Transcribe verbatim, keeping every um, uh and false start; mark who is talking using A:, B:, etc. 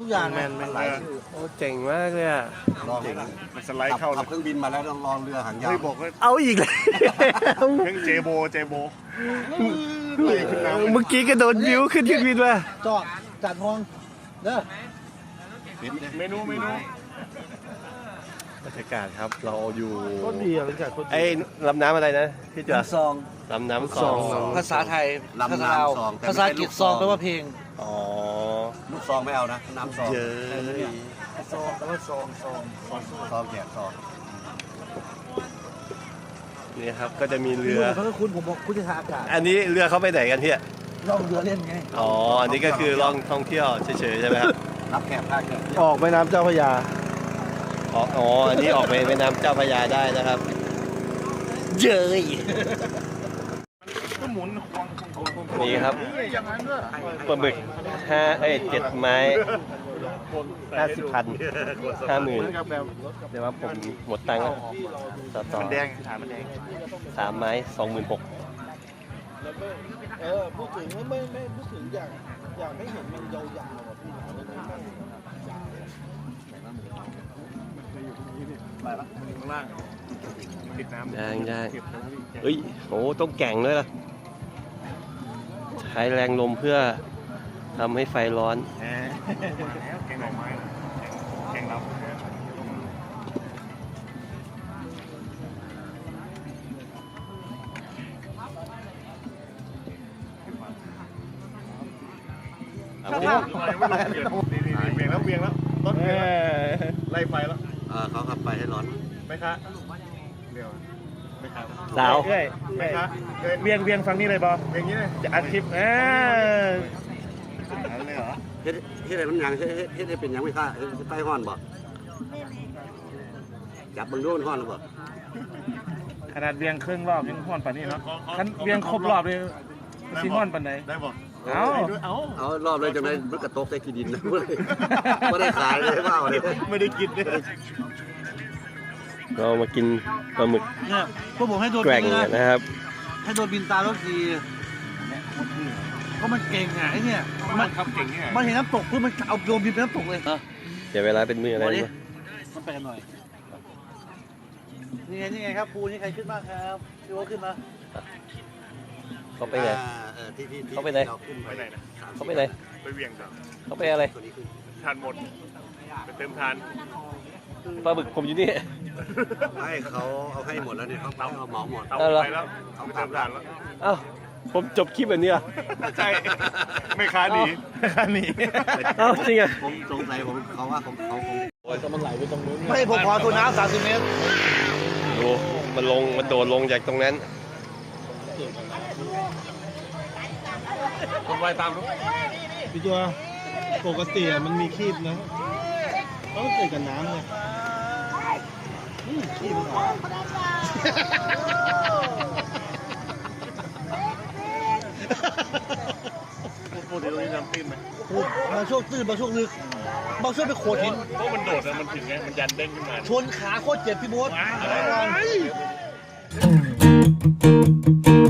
A: ทุกอย่างแมนหลายโอ้เจ๋งมากเลยอ่ะลองมันสไลด์เข้าขับเครื่องบินมาแล้วต้องลองเรือหางยาวบอกว่าเอาอีกเลยเครื่องเจโบเจโบเมื่อกี้กระโดดวิวขึ้นเครื่องบินมาจอดจัดห้องเด้อเมนูเมนูบรรยากาศครับเราอยู่ไอ้ลำน้ำอะไรนะพี่จ๋าซองลำน้ำซองภาษาไทยลำน้ำซองภาษาอังกฤษซองแปลว่าเพลงอ๋อลูกซองไม่เอานะน้ำซองเจอซองแปลว่าซองซองซองแจกซองนี่ครับก็จะมีเรือเขาก็คุณผมบอกคุณจะทาอากาศอันนี้เรือเขาไปไหนกันพี่ล่องเรือเล่นไงอ๋ออันนี้ก็คือล่องท่องเที่ยวเฉยๆใช่ไหมครับรับแขกภาคเหนือออกแม่น้ำเจ้าพระยาอ๋ออันนี้ออกไปแม่น้ำเจ้าพระยาได้นะครับเจยนี่ครับปลาหมึกห้าเอ้ยเจ็ดไม้ห้าสิบพันห้าหมื่นเดี๋ยวว่าผมหมดตังค์แล้วต่อต่อแดงถามมันแดงสามไม้สองหมื่นหกเออพูดถึงไม่ไม่พูดถึงอย่างอย่างไม่เห็นมันยาวๆอ่ะพี่ไปละข้างล่างติดน้ำย่างย่างเฮ้ยโอ้ต้องแก่งด้วยล่ะใช้แรงลมเพื่อทำให้ไฟร้อนแกงหน่อไม้แกงเราเอาเวียงแล้วเวียงแล้วต้นเวียงไล่ไฟแล้วเขาขับไปให้ร้อนไหมคะเดี๋ยวไหมคะสาวไหมคะเวียงเวียงฟังนี่เลยบอเวียงนี้เลยจะอัดคลิปเออเลยเหรอเฮ็ดเฮ็ดอะไรมันยังเฮ็ดเฮ็ดเป็นยังไม่ค่าใต้ห้อนบ่จับบังโดนห้อนหรือเปล่าขนาดเวียงครึ่งรอบยังห้อนป่านนี้เนาะขันเวียงครบรอบเลยซีห้อนป่านไหนได้บ่เอาเอาเอารอบเลยจังเลยมันกระตกใส่ขี้ดินนะไม่ได้ขายเลยเปล่าเลยไม่ได้กินเลยเรามากินปลาหมึกเนี่ยพวกผมให้โดนแกว่งนะครับให้โดนบินตาแล้วทีเพราะมันเก่งอ่ะไอ้เนี่ยมันขับเก่งเนี่ยมันเห็นน้ำตกเพื่อมันเอาโดนบินไปน้ำตกเลยเดี๋ยวเวลาเป็นมืออะไรเนี่ยมันไปกันหน่อยนี่ไงนี่ไงครับปูนี่ใครขึ้นบ้างครับพี่โอ๊ตขึ้นมาเขาไปไหนเขาไปไหนเขาไปไหนไปเวียงจ้ะเขาไปอะไรทานหมดไปเติมทานปลาบึกผมอยู่นี่ไม่เขาเอาให้หมดแล้วเนี่ยเขาเอาเหมาหมดเอาไปแล้วเอาไปเติมทานแล้วอ้าวผมจบคลิปแบบนี้อ่ะใช่ไม่ค้าหนีไม่ค้าหนีอ้าวจริงอ่ะผมสงสัยผมเขาว่าผมเขาคงโอ้ยก็มันไหลไปตรงนู้นไม่ผมขอตัวน้ำสามสิบเมตรดูมันลงมันโดดลงจากตรงนั้นคนไวตามรู้พี่ตัวปกติมันมีคีบนะต้องเกิดกับน้ำเลยคีบปกติตรงนี้น้ำตื้นไหมบางช่วงตื้นบางช่วงลึกบางช่วงไปโขดหินเพราะมันโดดแล้วมันถึงไงมันยันเด้งขึ้นมาชนขาโคตรเจ็บพี่โบ๊ท